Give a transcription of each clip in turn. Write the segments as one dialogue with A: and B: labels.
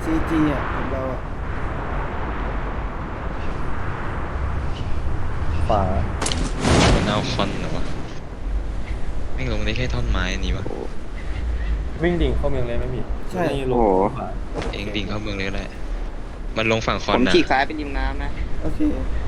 A: จีอ่ะของเราอ่ะ
B: ขวา
C: มันเอาคอนเหรอวะไม่ลงได้แค่ท่อนไม้อันนี้วะ
B: วิ่งดิ่งเข้าเมืองเลยไม่มีนี่ลงขวา
C: เองดิ่งเข้าเมืองเลยก็ได้มันลงฝั่งคอ
D: ผ
C: น
D: ม
C: นะ
D: ฉีกซ้ายไปริมน้ำนะ
A: โอเค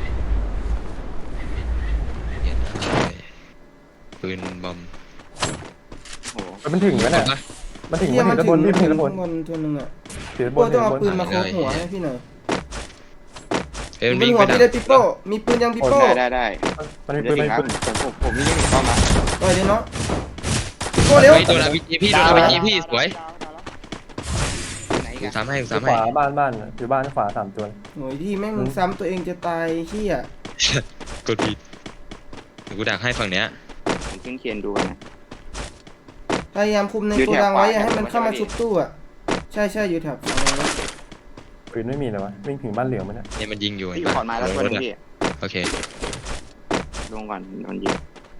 C: เห็นนะปืนบอม
D: โอ้โห
B: มันถึงแล้วเนี่ยมันถึงมันถึงด้านบนพี่ถึงด้านบน
A: บนตัวนึงอ่ะ
B: ถึงด้านบ
A: โป้
B: น
A: ต้องเอาปืนมาโคหัวให้พี่หน่อย
C: เอ้ยมัน
A: บน
C: วิ่ง
A: หัว
C: ไปดั
A: พี่
C: ก
A: ได้ปิโป้มีปืนยังปิโป้
D: ได้
B: มันมี
D: เดี๋
B: ปื
D: ยวน
B: มัน
D: ถึ
B: มี
D: งครับ
B: ปืน
D: ผมวิ่งเข้ามา
A: ต่อยเลยเนาะปิโป้เร็ว
C: เฮ้ยโดนอาวีจีพี่โดนอาวีจีพี่สวย
D: ไหน
C: กู
D: กัน
C: ซ้ำให้กู
B: ข
C: ซ้ำให้
B: วาบ้านอยู่บ้านขวา3 ตัว
A: โหยที่แม่งซ้ำตัวเองจะตายเฮีย
C: กดผิดเดี๋ยวกูดักให้ฝั่งเนี้ย
D: ผมขึ้นเคียนดูกันนะ
A: พยายามคุมใน
D: อยู่
A: โก
D: แถว
A: ดังไว้
D: ขวา
A: อย่าให้มัน
D: เนี่ย
A: เข้ามา
D: ผมว่า
A: ชุบตู้อ่ะใช่อยู่แถบฝั่งนั้น
B: ปืนไม่มีเลยวะวิ่งถึงบ้านเหลืองมันเนี่ย
C: เนี่ยมันยิงอยู่
D: ที่
C: เห็น
D: อยู่
C: ปะ
D: ขอนไม้แล้วตัวนึงพี่
C: โอเค
D: ลงก่อนโดนยิง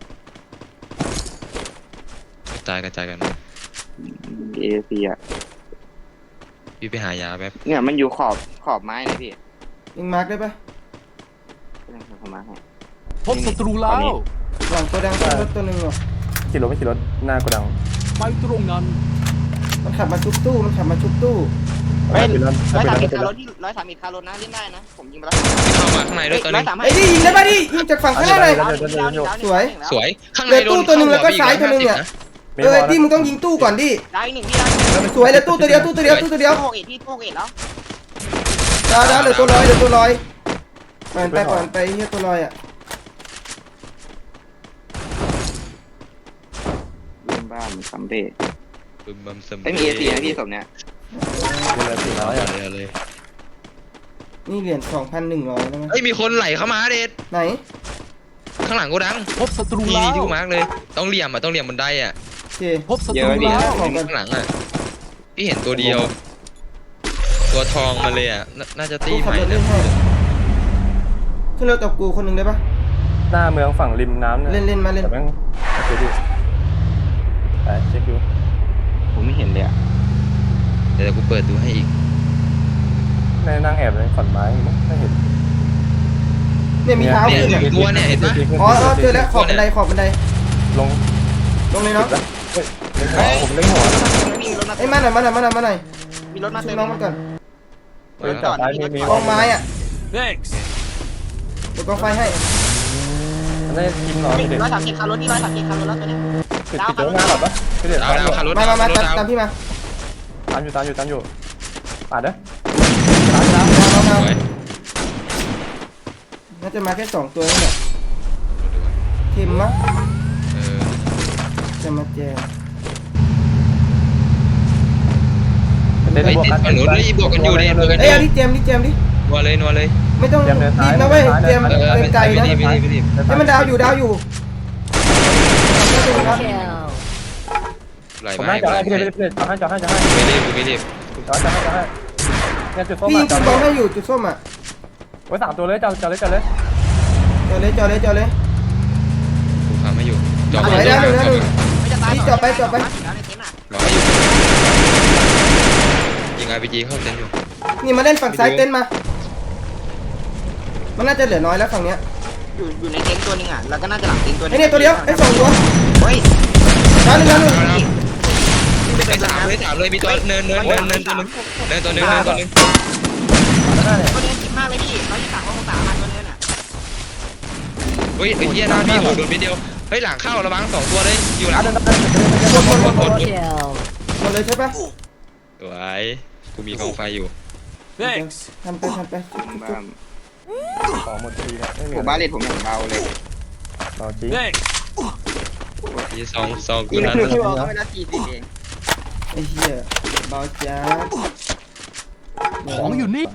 C: กระจายกัน
D: เอซีอ่ะ
C: พี่ไปหายาแป๊บ
D: เนี่ยมันอยู่ขอบไม้นะพี่
A: ยิงมาร์กได้ปะ
D: ก็เลยเข้ามาให้
E: พบศัตรูแล้ว
A: หลังโกดังขึ้นรถตัวนึงว่ะ
B: ขี่รถไม่ขี่รถหน้ากระดัง
E: ไปตรงนั้น
A: มันขับมาชุบตู้
D: เฮ้ย
B: ปืน
D: ร้อย
B: ปื
D: สาม
B: น
D: สิบคารถที่130คารถนะเล่นได้นะผมยิงไปแล้ว
C: พี่เข้ามาข้างในด้วยตอน
D: ร้อ
C: นี้
D: ยสาม
A: ไอ้ดิยิงได้ปะดิยิงจากฝั่งข้างหน้าเลย
C: สวยข้าง
A: เห
C: ใน
A: ลือ
C: โด
A: ตู้
C: น
A: ตัวหนึ่งแล้วก็ซ้ายตัวหนึ่งเนี่ยดิมึงต้องยิงตู้ก่อนดิ
D: ได้หนึ่งพี่ได้
A: สวยเลยตู้ตัวเดียวตู้ตัวเดียว
D: โกเอ็ดพี่โกเอ็ดแล้ว
A: ดาวเหลือตัวลอยปล่อยไปเฮียตัวลอยอ่ะ
D: ยิงบ้านสำเร็จ
C: บึมบัมซึม
D: ไม่มีเอซีนะพี่ศพเนี้ย
B: ปืนละ400
C: เอา
B: อ่ะ
C: เลย
A: นี่เหรียญ 2,100แล้วมั้ย
C: เฮ้ยมีคนไหลเข้ามาเด็ด
A: ไหน
C: ข้างหลังกูดัง
E: พบศัตรู
C: นี่
E: แล้
C: นี่ที่
E: ว
C: กูมาร์กเลยต้องเหลี่ยมบันไดอ่ะ
A: โอเค
E: พบศัตรูแล้ว
A: ของกัน
C: ข้างหลังอ่ะพี่เห็นตัวเดียว ตัวทองมาเลยอ่ะน่าจะตี
A: ตู้
C: ให
A: ขับ
C: ม่
A: รถเล่
C: นะ
A: นให้ขึ้นรถกับกูคนหนึ่งได้ปะ
B: หน้าเมืองฝั่งริมน้ำ
A: เล่นมาเล่น
B: แต่แม่งโอเคดิไปเช็คดู
D: ผมไม่เห็นเลยอ่ะ
C: เดี๋ยวกูเปิดดูให้อีก
B: ในนั่งแอบในขอนไม้ไม่เห็น
A: เนี่ยมีเท้า
C: เนี่ย
A: ขึ้น
C: ห
A: อ่ะ
C: นึ่งตัวเนี่ยเห็นปะ
A: อ๋อเจอแล้วขอบบันได
B: ลง
A: ลงเลยเนาะ
B: เฮ้ยเล็งหัวผมเล็งหัว
D: มีรถมา
A: ไอ้มาหน่อยมาหน่อย
D: มีรถมา
A: ชุ
D: เติ
A: บ
D: ม
A: น้องมาก่อน
B: ปืนจับซ้ายมี
A: กองไม้อ่ะ
E: next
A: เดี๋ยวกองไฟให้
B: มันได้ยิงหรอเด็ก
D: 130คารถที่130คารถแล้วตัวนี้
B: ปิดเจ้าหน้าหรอปะพี่เด็ก
C: ดาวขับรถ
A: มา
C: ดาว
A: ตามพี่มา
B: ตามอยู่ปาดเด้อ
A: มา
C: สวย
A: น่าจะมาแค่2ตัวนี่แหละทิมมะ
C: เออ
A: จะมาแจม
B: เล่น
C: เฮ้ย
B: บวก
C: ติด
B: กัน
C: ฝั่งนู้นด้วยบวกกันอยู่ดิบวกกันอ
A: เอ้ย
C: ยู่
A: เอาดิเจมดิ
C: นัวเลย
A: ไม่ต้องรีบนะเว้ยเจม
C: เออ
A: เป็นไกลนะ
C: ไม่รีบ
A: ให้มันดาวอยู่
C: ไหล
B: ผม
C: มา
B: ให้
C: ให้
B: จะให้พี่เด็กจะให้
C: ไม่รีบเนี่ย
B: เนี่ยจุดส้ม
A: พี่ยิง
B: จั
A: จุดบอลให้อยู่จุดส้มอ่ะ
B: ไว้3 ตัวเลยจับเลย
A: จอดเลย
C: กูทำให้อยู่จอด
A: ไหนได้หนึ่ง
D: ไม่จะตาย
A: นี่จอดไป
C: รอให้อยู่ยิง RPG เข้าเต็นท์อยู่
A: นี่มาเล่นฝั่งซ้ายเต้นมา มันน่าจะเหลือน้อยแล้วฝั่งเนี้ย
D: อยู่ในเต็นท์ตัวนึงอ่ะแล้วก็น่าจะหลังเต็นท์ตัวนึ
A: ไอ้
D: ง
A: เนี่ยตัวเดียวไอ้2ตัว
D: เฮ้ย
A: ดาวหนึ่ง
C: เลยถามเลยมีตัวเนินตัวนึงเนินตัวนึง
D: ตัวนี้คิดมากเลยพี่123ของ3ตัวนี้น่ะ
C: เฮ้ยไอ้เหี้ยหน้าพี่โหโดนนิดเดียวเฮ้ยหลังเข้าระวัง2ตัวเลยอยู่หลัง
A: หมดเลยใช่ปะ
C: สวยกูมีกองไฟอยู่
E: next
A: ทำไป
D: บ้าม
B: ของหมดทีครับไม่มี
D: ผมบ้าเลทผมอย่างเบาเลย
B: รอจริง
E: next
C: ยี่ซองกู
D: นี่
C: นั้น
D: คือพี่บอกก็ไม่ละ40เอง
A: ไอ้เหี้ยเบาจ้า
E: ของอยู่นี่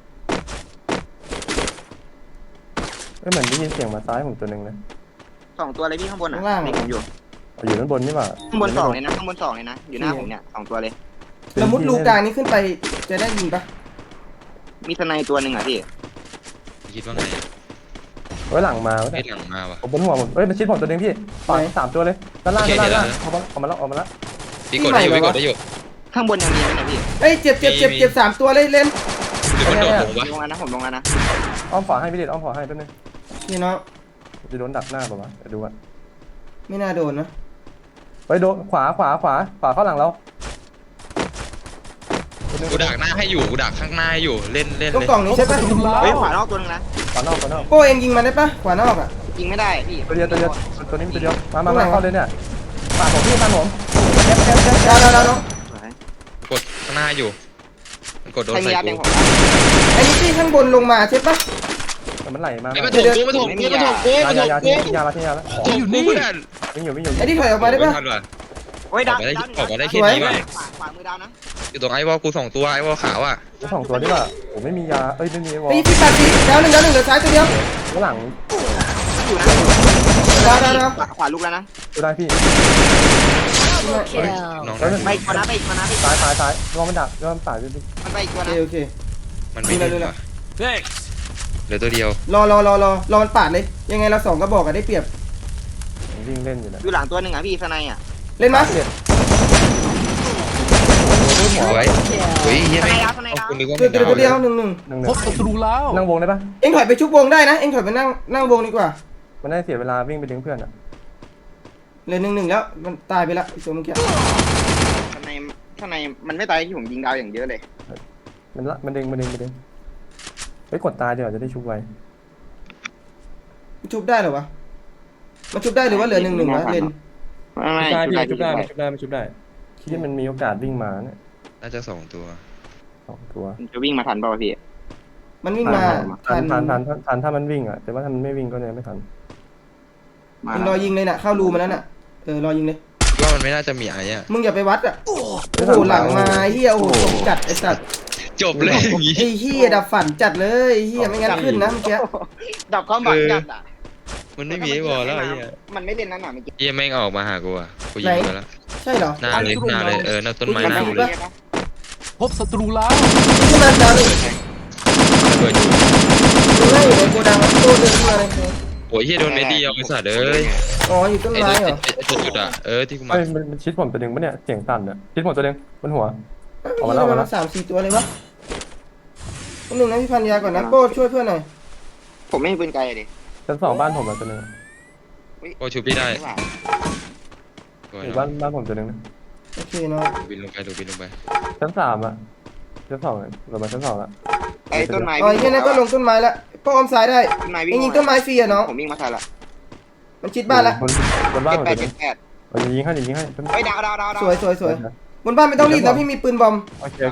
B: เหมือนได้ยินเสียงมาซ้ายผมตัวนึงนะ
D: 2ตัวเลยพี่ข้างบนอ่ะนี่ผมอยู่
B: อยู่ด้านบนนี่หว่า
D: ข้างบน2เลยนะข้างบน2เลยนะอยู่หน้าผมเนี่ย2ตัวเลย
A: แล้วมุดลูกกลางนี้ขึ้นไปจะได้ยิงปะ
D: มีทนายตัวนึงอ่ะพี่
C: คิดว่าไง
B: ไว้หลังมา
C: ไอ้หลังมาว่ะ
B: ผมบนหัวผมมันชิดผมตัวนึงพี่ฝั่ง3 ตัวเลยด้านล่างออกมาแล้ว
C: พี่กดได้อยู่
D: ข้างบนยังมีไหมเนี่ยพี่
A: เฮ้ยเจ็บ3ตัวเลยเล่น
C: หรือมันโดดลงวะ
D: ลงแล้วนะผมลงแล้วนะ
B: อ้อมขวาให้พี่เด็ดอ้อมขวาให้แป๊บนึง
A: นี่เนาะ
B: จะโดนดักหน้าป่าวะเดี๋ยวดูก่อน
A: ไม่น่าโดนนะ
B: ไปโดนขวาเข้าหลังเรา
C: กูดักหน้าให้อยู่กูดักข้างหน้าให้อยู่เล่น
A: ตรง
C: เลย
A: กล่องนี้ใช่ปะ
D: เฮ้ยขวานอกตัวนึงนะ
B: ขวานอก
A: โป้เองยิงมันได้ปะขวานอกอ่ะ
D: ยิงไม่ได้พี่
B: ตัวเดียวตัวนี้มีตัวเดียวมาเข้าเลยเนี่ยปาดผมพี่ปาดผม
A: ดาว
C: กดข้างหน้าอยู่มันกดโดน
D: ใครมี
C: ใส่
D: ยา
C: กู
D: แบ่งผม
A: ไอ้นี่ที่ข้างบนลงมาใช่ปะ
B: แต่มันไหลมา
C: ไอ้มาถกกูมาถกกูมาถกกูมาถก
B: ยา
C: กู
B: ทิ้งยาแล้ว
C: ถกกูเพื่อน
B: วิ่งอยู่
A: ไอ้ที่ถอยออกมาได้ปะ
D: โอ้ยดาว
C: ออกมาได้แค่นี้ไป
D: ขวามือดาวนะ
C: อยู่ตรงไอ้วอลกู2ตัวไอ้วอลขาวอ่ะ
B: สองตัวนี่ป่ะผมไม่มียาไม่มีวอล
A: ไอ้ที่ปัดสีดาวหนึ่งเหลือซ้ายตัวเดียว
B: ข้างหลัง
D: อยู่นะ
A: ดาว
D: ขวาลุกแล้วนะ
B: ดูได้พี่
C: น้อง
D: ไปอีกตัวนะไปอีกตัวนะไปอีก
B: ซ้ายลองมันดักลองตายพี่
D: มันไปอีกตัว
A: โอ
D: นะ
A: เค
C: มันไม่ได้ว่ะ
E: Thanks.
C: เหลือตัวเดียว
A: รอมันปาดเลยยังไงเรา2ก็บอกกันได้เปรียบ
B: วิ่งเล่นอยู่นะ
D: อยู่หลังตัวหนึ่งอ่ะพี่สไนอ่ะ
A: เล่นมั้ย
C: เอาไว้เฮ้ยเฮียไม่
D: สไนดาว
C: คุณนึกว่า
A: ตัวเดียว1
E: พบศัตรูแล้ว
B: นั่งวงได้ปะ
A: เอ็งถอยไปชุบวงได้นะเอ็งถอยไปนั่งวงดีกว่า
B: มันได้เสียเวลาวิ่งไปดึงเพื่อนอ่ะ
A: เหลือ1แล้วมันตายไปละไอ้ตัวเมื่อกี้
D: สไนมันไม่ตายที่ผมยิงดาวอย่างเยอะเลย
B: มันดึงไปกดตายเดี๋ยวจะได้ชุบไว้
A: มันชุบได้เหรอวะมันชุบได้หรือว่าเหลือ1วะเล่น
D: ไม่
B: ชุบได้ที่มันมีโอกาสวิ่งมาเนี่ย
C: น่าจะ2ตัว
B: 2ตัว
D: จะวิ่งมาทันป่าวพี่
A: มันวิ่งมา
B: ทันถ้ามันวิ่งอ่ะแต่ว่าถ้ามันไม่วิ่งก็เนี่ยไม่ทัน
A: มึงรอยิงเลยน่ะเข้ารูมาแล้วน่ะรอยิงเลย
C: ว่ามันไม่น่าจะมีไอ้อะ
A: มึงอย่าไปวัดอ่ะโอ้โหหลังมาเฮียโอ้โหตกจัดไอ้สัตว์
C: จบเลยอย่างงี้
A: ไอ้เฮียดับฝันจัดเลยไอ้เฮียไม่งั้นขึ้นนะเมื่อกี้
D: ดับความหวังจัดอ่ะ
C: มันไม่มีไอ้วอลแล้วไอ้เหี้ย
D: มันไม่เล่นนั่นน่ะเมื่อกี้
C: เหี้ยแม่งออกมาหากูอ่ะกูยิงไปแล้ว
A: ใช่เหรอ
C: หน้าเลยหน้าต้นไม้หน้ากูเลย
E: พบศัตรูแล้ว
A: ขึ้นมาดาวเลย
C: ระเบิดอยู่
A: ดูให้อยู่ในโกดังโตเดินขึ้นมาเลย
C: โอ้ยเฮียโดนเมดีเอาไอ้สัตว์เอ้ย
A: อ๋ออยู่ต้น
C: ไอ้
A: ไม้เหรอ
C: จุดอ่ะที่กูมา
B: มันชิดผมตัวนึงปะเนี่ยเสียงสั่นอ่ะชิดผมตัวนึงบนหัว ออกมา
A: นี่
B: แล้ว
A: มัน3-4ตัวเลยวะคนหนึ่งนะพี่พันยาก่อนนะโป้ช่วยเพื่อนหน่อย
D: ผมไม่มีปืนไกลเลย
B: ชั้น2บ้านผมตัวนึง
C: โอ้ชูพี่ได้ตัว
B: บ้านผมตัวนึงนะ
A: โอเคเนาะ
C: บินลงไปดูบินลงไป
B: ชั้น3อ่ะชั้น2เรามาชั้น2แล้ว
D: ไอ้ต้นไม้
A: อ๋อไอ้เฮียนั่นก็ลงต้นไม้ละโป้อมซ้ายได้
D: ต้นไม้
A: เอ็งยิงต้นไม้ฟรีอะน้อง
D: ผมวิ่งมาทันละ
A: มันชิดบ้านละ
B: บนบ้าน
D: เจ็ด
B: ผม
D: แป
B: ตัว
D: ด
B: นึง
D: เจ็ดแปด
B: ยิงให้
D: เฮ้ยดาว
A: สวยบนบ้านไม่ต้องรีบนะพี่มีปืนบอม
B: โอเค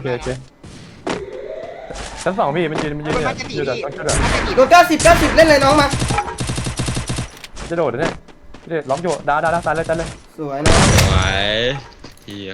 B: ชั้น2พี่มันยืนเนี่ยอยู่แบบต้องช่วยแบบ
A: โดน90เล่นเลยน้องมา
B: จะโดดเนี่ยล็อกอยู่ดาตายเลย
A: สวยนะ
C: ไหวเฮีย